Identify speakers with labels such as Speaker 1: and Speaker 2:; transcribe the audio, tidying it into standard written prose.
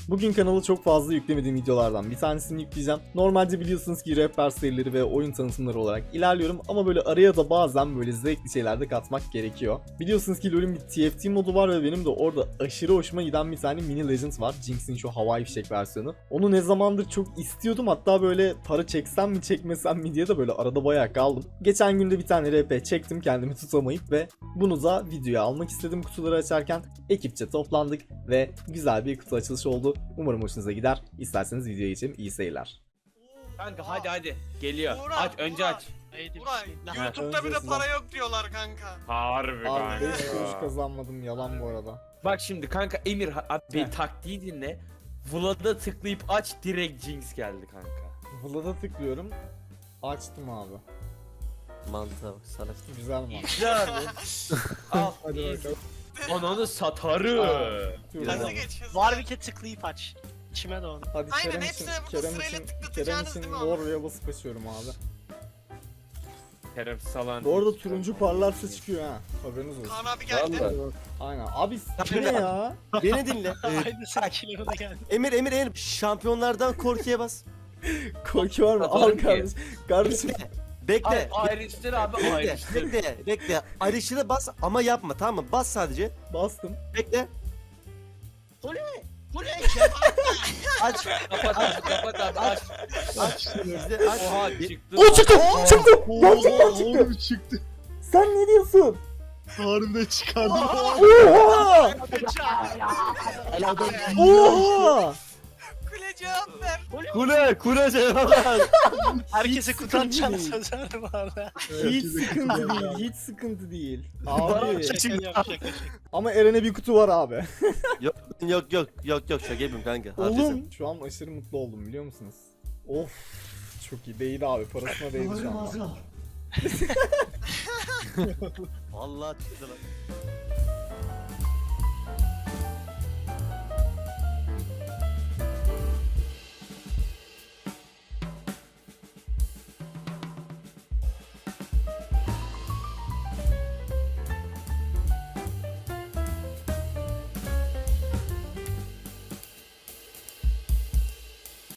Speaker 1: Bugün kanala çok fazla yüklemediğim videolardan bir tanesini yükleyeceğim. Normalde biliyorsunuz ki rehber serileri ve oyun tanıtımları olarak ilerliyorum ama böyle araya da bazen böyle zevkli şeyler de katmak gerekiyor. Biliyorsunuz ki LoL'ün bir TFT modu var ve benim de orada aşırı hoşuma giden bir tane mini legend var. Jinx'in şu havai fişek versiyonu. Onu ne zamandır çok istiyordum, hatta böyle para çeksem mi çekmesem mi diye de böyle arada bayağı kaldım. Geçen günde bir tane RP çektim kendimi tutamayıp ve bunu da videoya almak istedim kutuları açarken. Ekipçe toplandık ve güzel bir kutu açılışı oldu. Umarım hoşunuza gider. İsterseniz videoya geçelim. İyi seyirler.
Speaker 2: Kanka hadi geliyor.
Speaker 3: Uğra,
Speaker 2: aç önce
Speaker 3: Uğra.
Speaker 2: aç.
Speaker 3: Ulan YouTube'da bir de
Speaker 1: Önce
Speaker 3: para yok diyorlar kanka.
Speaker 2: Harbi
Speaker 1: Abi 5 kuruş kazanmadım, yalan bu arada.
Speaker 2: Bak şimdi kanka Emir abi
Speaker 1: Heh.
Speaker 2: taktiği dinle. Vlad'a tıklayıp aç direkt Jinx geldi kanka.
Speaker 1: Vlad'a tıklıyorum. Açtım abi.
Speaker 4: Mantığa bak salak.
Speaker 1: Güzel mi?
Speaker 2: Güzel. Al.
Speaker 1: Hadi bakalım.
Speaker 2: Ananı satarı.
Speaker 3: Hızlı geç hızlı.
Speaker 5: Warwick'e tıklayıp aç. İçime doğdu.
Speaker 1: Hadi
Speaker 3: Aynen,
Speaker 1: Kerem için,
Speaker 3: hepsine burada
Speaker 1: Kerem
Speaker 3: sırayla
Speaker 1: için,
Speaker 3: tıklatacağınız değil mi abi?
Speaker 1: Warrior'a basıp açıyorum abi.
Speaker 2: Kerem salan.
Speaker 1: Bu arada turuncu parlarsa çıkıyor ha. Haberiniz olsun.
Speaker 3: Kaan abi geldi.
Speaker 4: Vallahi.
Speaker 1: Aynen. Abi bu ne ya?
Speaker 4: Beni dinle.
Speaker 5: Aynı sakinliğe de geldi.
Speaker 4: Emir şampiyonlardan korkuya bas.
Speaker 1: Korku var mı? Al
Speaker 2: Satarım ki.
Speaker 1: kardeşim. Kardeşim.
Speaker 4: Bekle.
Speaker 2: Ayrıştır abi
Speaker 4: Bekle.
Speaker 2: ayrıştır.
Speaker 4: Bekle. Ayrışını bas ama yapma, tamam mı? Bas sadece.
Speaker 1: Bastım.
Speaker 4: Bekle.
Speaker 5: Bu ne
Speaker 4: Aç.
Speaker 2: Kapat abi kapat abi aç.
Speaker 4: Aç. İzle. Aç.
Speaker 2: Oha çıktı.
Speaker 1: O çıktı! Çıktı! Gerçekten çıktı! Sen ne diyorsun?
Speaker 6: Harbiden çıkardım.
Speaker 1: Oha! Oha!
Speaker 3: Kule cevap ver.
Speaker 4: Kule cevap.
Speaker 5: Herkese kutu atacağını
Speaker 1: değil.
Speaker 5: söz verdim bu arada.
Speaker 1: Hiç sıkıntı değil, hiç sıkıntı değil. Abi.
Speaker 5: Şaka yapacak.
Speaker 1: Ama Eren'e bir kutu var abi.
Speaker 4: Yok şaka yapayım kanka. Haklısın.
Speaker 1: Oğlum. Şu an aşırı mutlu oldum, biliyor musunuz? Of. Çok iyi, değdi abi, parasına değdi şu an.
Speaker 4: Vallahi çıktı lan.